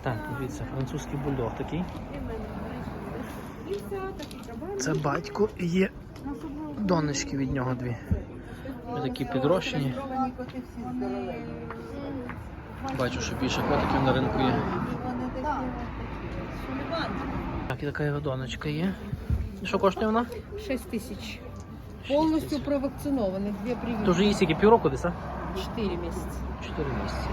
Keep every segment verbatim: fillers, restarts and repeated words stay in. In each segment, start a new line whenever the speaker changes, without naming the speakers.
Так, дивіться, французький бульдог такий. Це батько і є донечки від нього дві. Ось такі підрощені. Бачу, що більше котиків на ринку є. Так, і така його донечка є. І що коштує вона?
шесть тисяч. Повністю провакцинований, дві прививки.
То вже їй скільки, півроку десь, а?
чотири місяці.
Чотири місяці.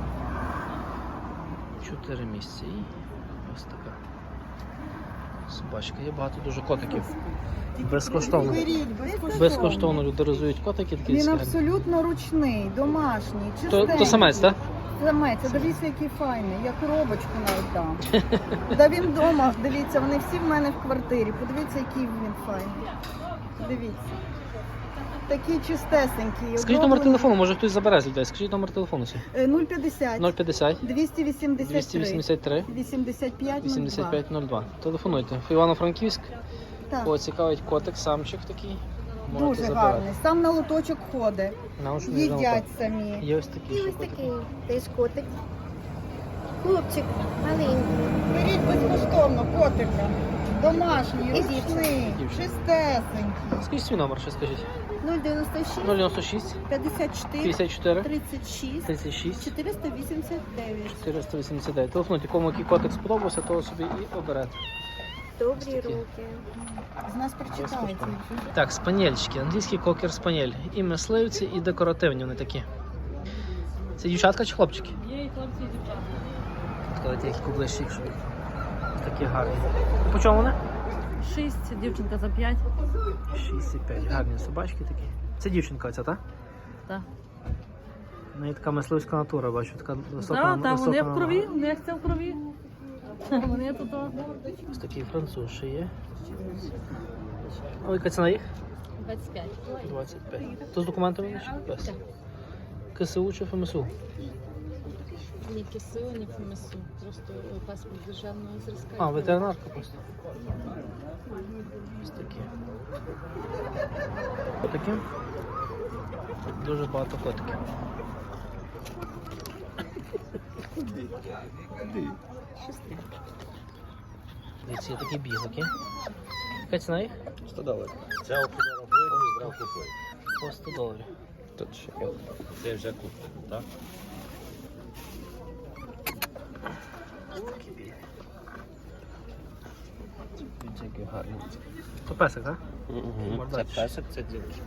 Чотири місяці. І ось така собачка. Є багато дуже котиків. Безкоштовно. Безкоштовно люди розують котики. Такі
Він
цікаві.
абсолютно ручний, домашній,
То,
чистенький.
то самець, так?
Самець, а дивіться, який файний, я коробочку навіть дам. Да він вдома, дивіться, вони всі в мене в квартирі. Подивіться, який він файний. Дивіться. Такий чистесенький.
Скажіть номер телефону, може хтось забере з людей. Скажіть номер телефону.
нуль п'ятдесят,
нуль п'ятдесят,
двісті вісімдесят
двісті
три,
вісімдесят три,
вісімдесят п'ять,
вісімдесят п'ять нуль два. Телефонуйте. Івано-Франківськ.
Так,
Кого цікавить котик, самчик такий. Можете
дуже
забирати.
гарний. Сам на лоточок ходить,
Наушний
їдять самі.
Є ось такі.
І
ще
ось
котики.
такий теж котик. Хлопчик маленький.
Беріть безкоштовно котика. Домашній,
І
ручний,
дівчина.
чистесенький.
Скажіть свій номер, ще скажіть.
нуль дев'яносто шість,
нуль дев'яносто шість,
п'ятдесят чотири,
п'ятдесят чотири,
тридцять шість,
тридцять шість,
чотириста вісімдесят дев'ять.
чотириста вісімдесят дев'ять. Телефонуйте, кому який котик сподобався, того собі і оберете.
Добрі
такі.
руки.
З нас прочитається.
Так, спанельчики, англійський кокер спанель. І мисливці, і декоративні вони такі. Це дівчатка чи хлопчики?
Є і хлопці, і дівчата.
Сказати, які поближче, якщо їх. Ось такі гарні. І по чому вони?
Шість, дівчинка за п'ять.
шість і п'ять. Гарні собачки такі. Це дівчинка ця, так?
Так.
В неї така мисливська натура, бачу, така висока.
Так, так, вони
висока
в крові, в них це в крові. Вони тут. о,
Ось такий француз ще є. А яка ціна їх?
двадцять п'ять.
двадцять п'ять. То з документами не чи без? КСУ чи ФМСУ?
Ні КСУ, ні ФМСУ. Просто паспорт державного зразка.
А, ветеринарка просто. Ось такі. Котики. Дуже багато котиків. Дивіться, є такі білики. Яка ціна їх?
сто доларів. Це окупований, здрав купує.
По сто доларів.
Тут ще. Це вже куплено, так?
Ось такі білі.
Дивіться, який гарний.
То песик, так?
Це
Мордачі.
песик, це дівчинка.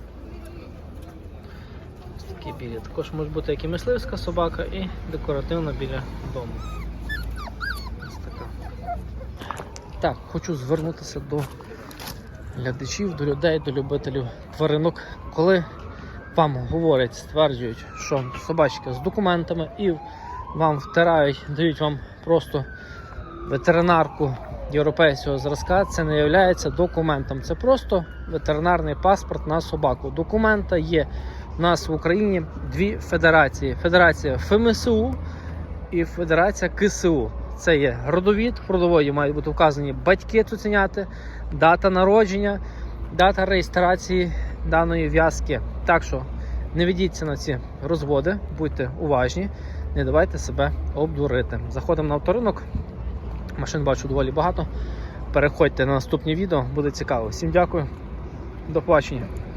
Ось такі білі. Також може бути як і мисливська собака, і декоративна біля дому. Ось така. Так, хочу звернутися до глядачів, до людей, до любителів тваринок. Коли вам говорять, стверджують, що собачка з документами і вам втирають, дають вам просто ветеринарку європейського зразка, це не є документом. Це просто ветеринарний паспорт на собаку. Документа є у нас в Україні дві федерації. Федерація ФМСУ і Федерація КСУ. Це є родовід, в родоводі мають бути вказані батьки цуценяти, дата народження, дата реєстрації даної в'язки. Так що не ведіться на ці розводи, будьте уважні, не давайте себе обдурити. Заходимо на авторинок, машин бачу доволі багато. Переходьте на наступні відео, буде цікаво. Всім дякую, до побачення.